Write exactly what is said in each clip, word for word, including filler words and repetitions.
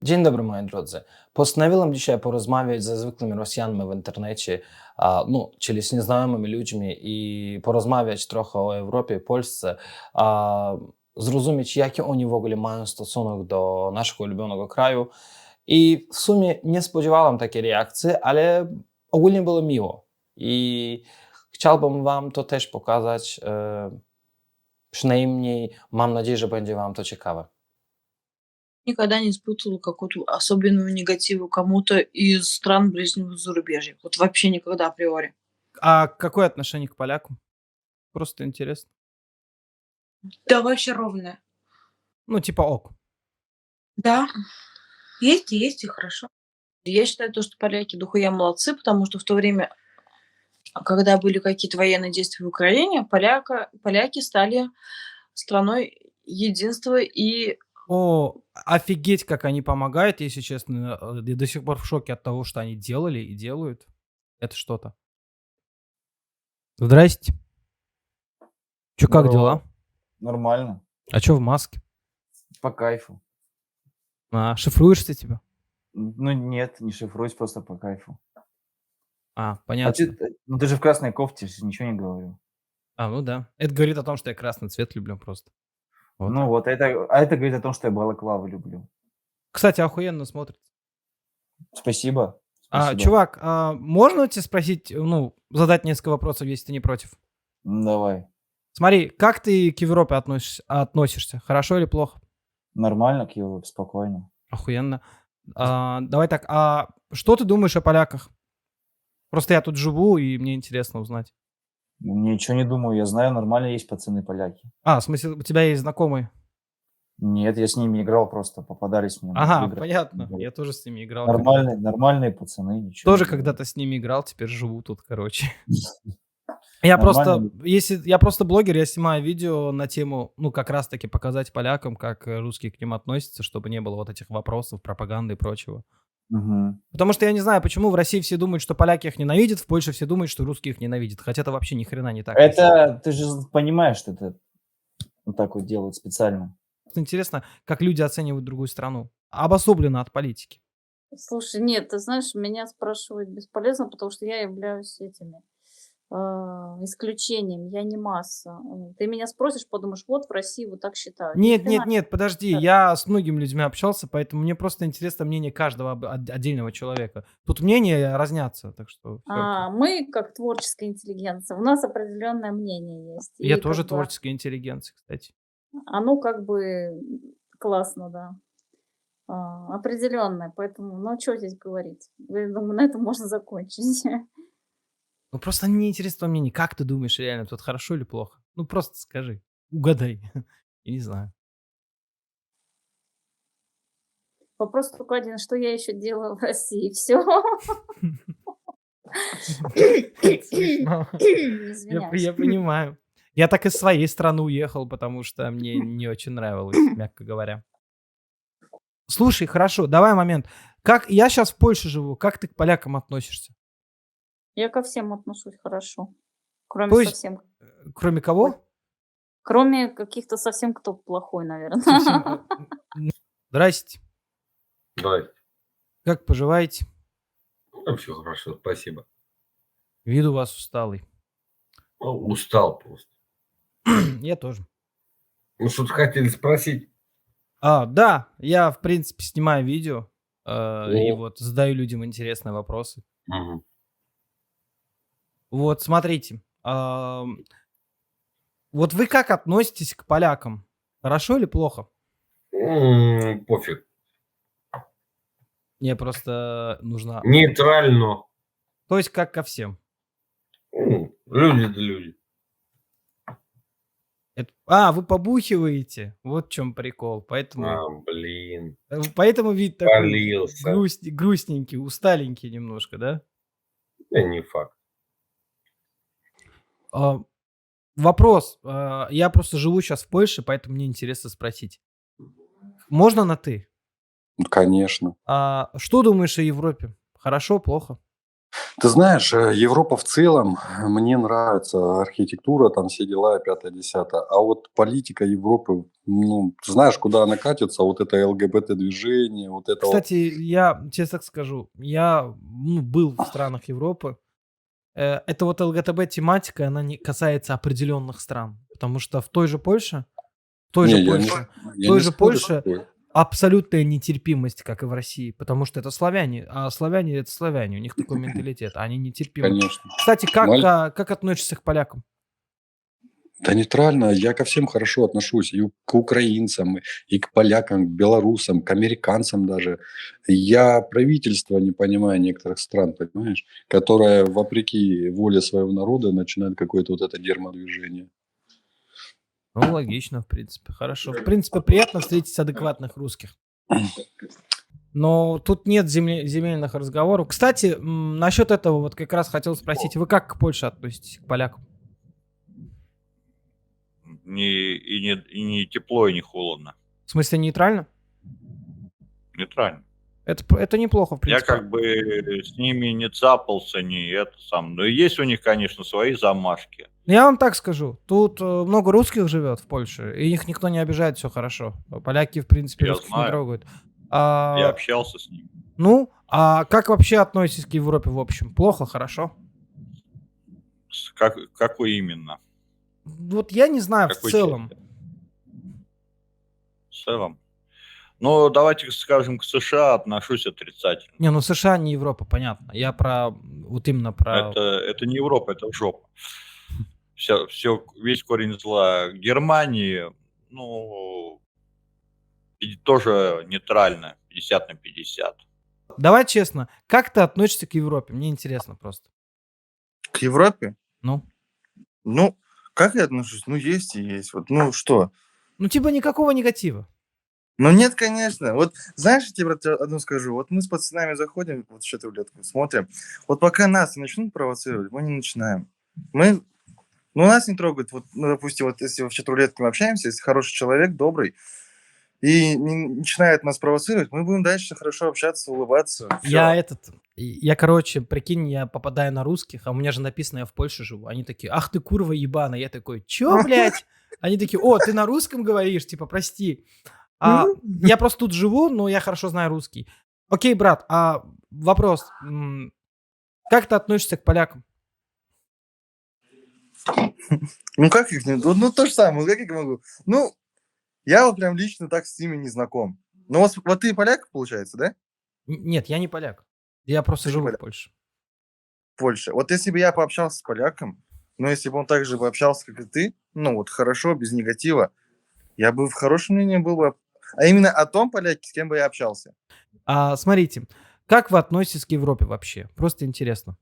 Dzień dobry, moi drodzy. Postanowiłem dzisiaj porozmawiać ze zwykłymi Rosjanami w internecie, a, no, czyli z nieznajomymi ludźmi i porozmawiać trochę o Europie, Polsce, a, zrozumieć, jaki oni w ogóle mają stosunek do naszego ulubionego kraju. I w sumie nie spodziewałem takiej reakcji, ale ogólnie było miło. I chciałbym wam to też pokazać, e, przynajmniej mam nadzieję, że będzie wam to ciekawe. Никогда не испытывала какую-то особенную негативу кому-то из стран ближнего зарубежья. Вот вообще никогда априори. А какое отношение к полякам? Просто интересно. Да, вообще ровное. Ну, типа ок. Да, есть и есть, и хорошо. Я считаю, то, что поляки дохуя молодцы, потому что в то время, а, когда были какие-то военные действия в Украине, поляка, поляки стали страной единства и О, офигеть, как они помогают, если честно. э, Я до сих пор в шоке от того, что они делали и делают. Это что-то. Здрасте. Чё, как Здорово. дела? Нормально. А чё в маске? По кайфу. А, шифруешься тебя? Н- Ну нет, не шифруюсь, просто по кайфу. А, А ты, понятно. т- ну ты же в красной кофте, ж ничего не говорю. А, ну да. Это говорит о том, что я красный цвет люблю просто. Вот. Ну вот, это, а это говорит о том, что я балаклавы люблю. Кстати, охуенно смотрится. Спасибо. А, Спасибо. чувак, а можно тебе спросить, ну, задать несколько вопросов, если ты не против? Ну, давай. Смотри, как ты к Европе относишься, относишься? Хорошо или плохо? Нормально, к Европе, спокойно. Охуенно. А, давай так, а что ты думаешь о поляках? Просто я тут живу, и мне интересно узнать. Ну, Ничего не думаю, я знаю, нормально есть пацаны поляки. А, в смысле, у тебя есть знакомые? Нет, я с ними играл, просто попадались мне в Ага, играх. понятно. Вот. Я тоже с ними играл. когда-то. Нормальные, нормальные пацаны, ничего Тоже не говорю. когда-то с ними играл, теперь живу тут, короче. Я просто, Нормально. если я просто блогер, я снимаю видео на тему, ну, как раз-таки показать полякам, как э, русские к ним относятся, чтобы не было вот этих вопросов, пропаганды и прочего. Мгм. Потому что я не знаю, почему в России все думают, что поляки их ненавидят, в Польше все думают, что русские их ненавидят. Хотя это вообще ни хрена не так. на самом деле. Это, ты же понимаешь, что это вот так вот делают специально. Просто интересно, как люди оценивают другую страну. Обособленно от политики. Слушай, нет, ты знаешь, меня спрашивать бесполезно, потому что я являюсь этими а, исключением, я не масса. М, Ты меня спросишь, подумаешь, вот в России вот так считают. Ни Нет, хрена нет, нет, подожди, так. я с многими людьми общался, поэтому мне просто интересно мнение каждого об- от- отдельного человека. Тут мнения разнятся, так что всё окей. А, мы, как творческая интеллигенция, у нас определенное мнение есть. Я И тоже как бы творческая интеллигенция, кстати. оно как бы м, классно, да. А, определенное, поэтому, ну, что здесь говорить? Я думаю, на этом можно закончить. Ну просто мне интересно твое мнение. Как ты думаешь, реально, тут хорошо или плохо? Ну просто скажи, угадай. Я не знаю. Вопрос только один, что я еще делаю в России? Все. Смешно. Я, п- Извиняюсь. я понимаю. Я так из своей страны уехал, потому что мне не очень нравилось, мягко говоря. Слушай, хорошо, давай момент. Как я сейчас в Польше живу, как ты к полякам относишься? Я ко всем отношусь хорошо. Кроме То есть, совсем... э, кроме кого? Кроме каких-то совсем кто плохой, Совсем. наверное. э, м, Здрасте. Здрасте. Как поживаете? Ну, все хорошо, спасибо. Вид у вас усталый. Ну, устал просто. Я тоже. Ну, что-то хотели спросить. А, да, я, в принципе, снимаю видео э, и О. вот задаю людям интересные вопросы. Мгм. Вот, смотрите. ам, Вот вы как относитесь к полякам? Хорошо или плохо? М, Пофиг. Мне просто нужно... Нейтрально. То есть как ко всем. М, Люди да люди. Это- А, вы побухиваете? Вот в чем прикол. Поэтому, А, блин. э, поэтому вид такой Полился. грусть- грустненький, усталенький немножко, да? Да не факт. А, Вопрос. а, Я просто живу сейчас в Польше, поэтому мне интересно спросить. Можно на «ты»? Ну, конечно. А Что думаешь о Европе? Хорошо, плохо? Ты знаешь, э, Европа в целом, э, мне нравится архитектура, там все дела, и пятое, десятое. А вот политика Европы, ну, ты знаешь, куда она катится, вот это ЛГБТ-движение, вот это вот. Кстати, я честно так скажу, я ну, был в странах Европы. Э, Это вот ЛГТБ-тематика, она не касается определенных стран. Потому что в той же Польше, в той же Не, я не, Польше, в я той не же спорю с Польше тобой. абсолютная нетерпимость, как и в России. Потому что это славяне, а славяне это славяне, у них такой менталитет, они нетерпимы. Конечно. Кстати, как, Маль- а, как относишься к полякам? Да нейтрально, я ко всем хорошо отношусь, и у- к украинцам, и к полякам, к белорусам, к американцам даже. Я правительство не понимаю некоторых стран, понимаешь, которое вопреки воле своего народа начинает какое-то вот это дерьмодвижение. Ну, логично, в принципе, хорошо. В принципе, приятно встретить адекватных русских. Но тут нет земле- земельных разговоров. Кстати, м, насчет этого вот как раз хотел спросить, вы как к Польше относитесь, к полякам? Не, и, не, и не тепло, и не холодно. В смысле нейтрально? Нейтрально. Это, п- это неплохо, в Я принципе. как бы с ними не цапался, не это сам. Но есть у них, конечно, свои замашки. Я вам так скажу, тут э, много русских живет в Польше, и их никто не обижает, все хорошо. Поляки, в принципе, Я русских не знаю. трогают. Я А, общался с ними. ну, а как вообще относитесь к Европе в общем? Плохо, хорошо? С как, какой именно? Вот я не знаю, в Какой целом. части? В целом. Ну, давайте скажем, к США отношусь отрицательно. Не, ну США не Европа, понятно. Я про, вот именно про... Это, это не Европа, это жопа. Все, все, весь корень зла Германии, ну, и тоже нейтрально, пятьдесят на пятьдесят. Давай честно, как ты относишься к Европе? Мне интересно просто. К Европе? Ну? Ну, как я отношусь? Ну, есть и есть. Вот, ну, что? Ну, типа никакого негатива. Ну, нет, конечно. Вот, знаешь, я тебе брат, одно скажу. Вот мы с пацанами заходим, вот в эту рулетку смотрим. Вот пока нас не начнут провоцировать, мы не начинаем. Мы, ну, нас не трогают. Вот, ну, допустим, вот если в чат-рулетке мы общаемся, если хороший человек, добрый, и не начинает нас провоцировать, мы будем дальше хорошо общаться, улыбаться. Я Всё. этот, я, короче, прикинь, я попадаю на русских, а у меня же написано, я в Польше живу. Они такие, ах ты курва ебана. Я такой, чё, блядь? Они такие, о, ты на русском говоришь, типа, прости. А, я просто тут живу, но я хорошо знаю русский. Окей, брат, а вопрос. м, Как ты относишься к полякам? Ну, как их не... Ну, ну, то же самое, как я могу? Ну, я вот прям лично так с ними не знаком. Ну, вот, вот ты поляк, получается, да? Н- Нет, я не поляк. Я просто Ты не живу в поляк. Польше. Польше. Вот если бы я пообщался с поляком, ну, если бы он так же бы общался, как и ты, ну, вот хорошо, без негатива, я бы в хорошем мнении был бы. А именно о том поляке, с кем бы я общался. А, смотрите, как вы относитесь к Европе вообще? Просто интересно.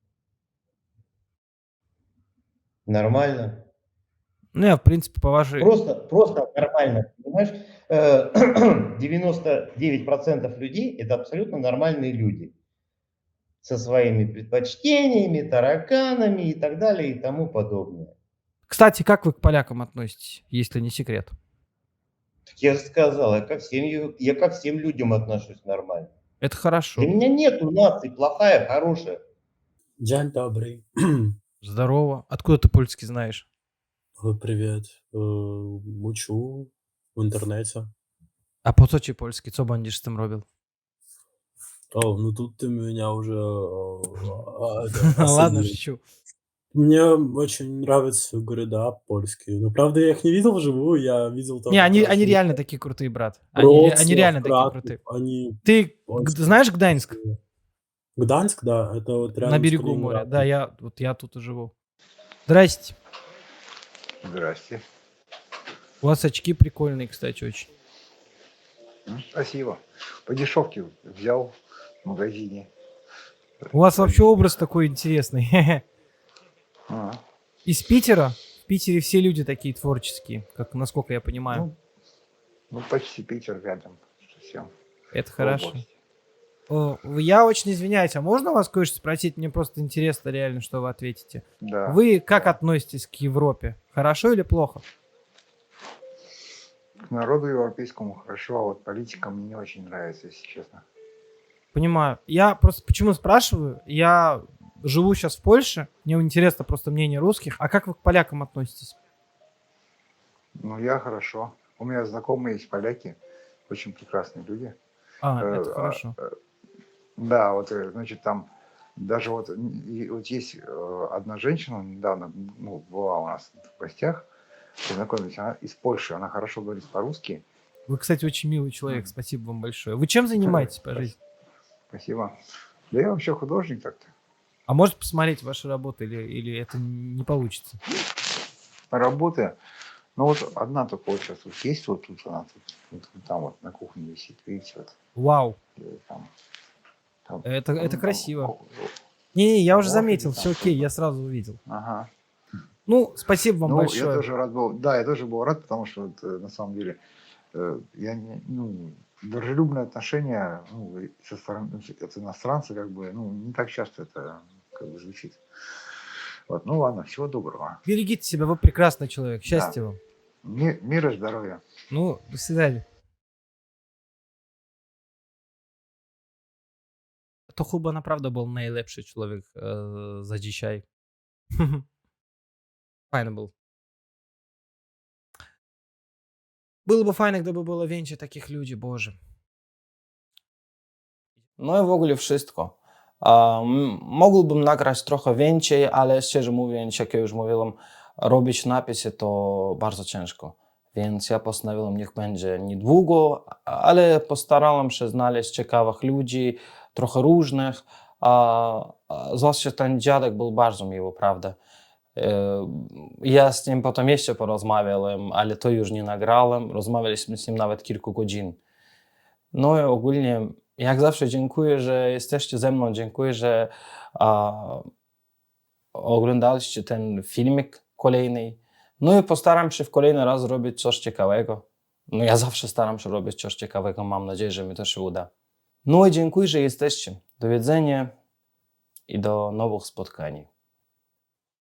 Нормально. Ну, я, в принципе, по вашей... Просто, просто нормально, понимаешь? Э, девяносто девять процентов людей – это абсолютно нормальные люди. Со своими предпочтениями, тараканами и так далее и тому подобное. Кстати, как вы к полякам относитесь, если не секрет? Так я же сказал, я ко всем, ю- я ко всем людям отношусь нормально. Это Для хорошо. меня нету нации плохая, хорошая. Dzień dobry. Здорово. Откуда ты польский знаешь? Ой, Привет. Э, Учу в интернете. А по co ci polski? Co będziesz z tym robił? О, ну тут ты меня уже э, а, это, Ладно, осадил. шучу. Мне очень нравятся города польские. Но правда я их не видел вживую, я видел Не, только они, они картинки. реально такие крутые, брат. Они, ре- они Вроцлав, реально такие Краков, крутые. они Ты г- очень знаешь Гданьск? красивые. Гданьск, да, это вот На рядом с берегу моря. Да, Калининградом. я, вот я тут и живу. Здрасте. Здрасте. У вас очки прикольные, кстати, очень. М, Спасибо. По дешевке взял в магазине. У вас вообще образ такой интересный. А, Из Питера? В Питере все люди такие творческие, как насколько я понимаю. ну, ну, почти Питер рядом совсем. Это в хорошо. области. О, я очень извиняюсь, а можно вас кое-что спросить? Мне просто интересно реально, что вы ответите. Да, Вы как да. относитесь к Европе? Хорошо или плохо? К народу европейскому хорошо, а вот политика мне не очень нравится, если честно. Понимаю. Я просто почему спрашиваю? Я живу сейчас в Польше, мне интересно просто мнение русских. А как вы к полякам относитесь? Ну, я хорошо. У меня знакомые есть поляки, очень прекрасные люди. А, Э, это а, хорошо. э, Да, вот, э, значит, там даже вот, н- и вот есть э, одна женщина, недавно, ну, была у нас в гостях, познакомились, она из Польши, она хорошо говорит по-русски. Вы, кстати, очень милый человек. М. Спасибо вам большое. Вы чем занимаетесь по жизни? Спасибо. Да я вообще художник так-то. А может посмотреть ваши работы или, или это не получится? Работы. Ну вот одна только вот сейчас вот есть, вот тут она тут, вот там вот на кухне висит, видите, вот. Вау, э, Там, там, это, это ну, там, красиво. ко- Не-не, я уже лошади заметил, там все окей, я что-то. сразу увидел. Ага. Ну, спасибо вам Ну, я большое. тоже рад был, да, я тоже был рад, потому что вот, э, на самом деле э, я не, ну, дружелюбное отношение ну, и со стороны ну, от иностранца, как бы, ну, не так часто это как бы звучит. Вот, ну ладно, всего доброго. Берегите себя, вы прекрасный человек. Да. Счастья вам. Ми- Мира, здоровья. Ну, до свидания. To chyba naprawdę był najlepszy człowiek e, za dzisiaj. Fajny był. Było by fajne, gdyby było więcej takich ludzi, Boże. No i w ogóle wszystko. Um, mógłbym nagrać trochę więcej, ale szczerze mówiąc, jak ja już mówiłem, robić napisy to bardzo ciężko. Więc ja postanowiłem, niech będzie niedługo, ale postarałem się znaleźć ciekawych ludzi, trochę różnych. A, a zwłaszcza ten dziadek był bardzo miły, prawda? E, Ja z nim potem jeszcze porozmawiałem, ale to już nie nagrałem. Rozmawialiśmy z nim nawet kilku godzin. No i ogólnie, jak zawsze, dziękuję, że jesteście ze mną. Dziękuję, że a, oglądaliście ten filmik kolejny. No i postaram się w kolejny raz zrobić coś ciekawego. No ja zawsze staram się robić coś ciekawego. Mam nadzieję, że mi to się uda. No i dziękuję, że jesteście. Do widzenia i do nowych spotkań.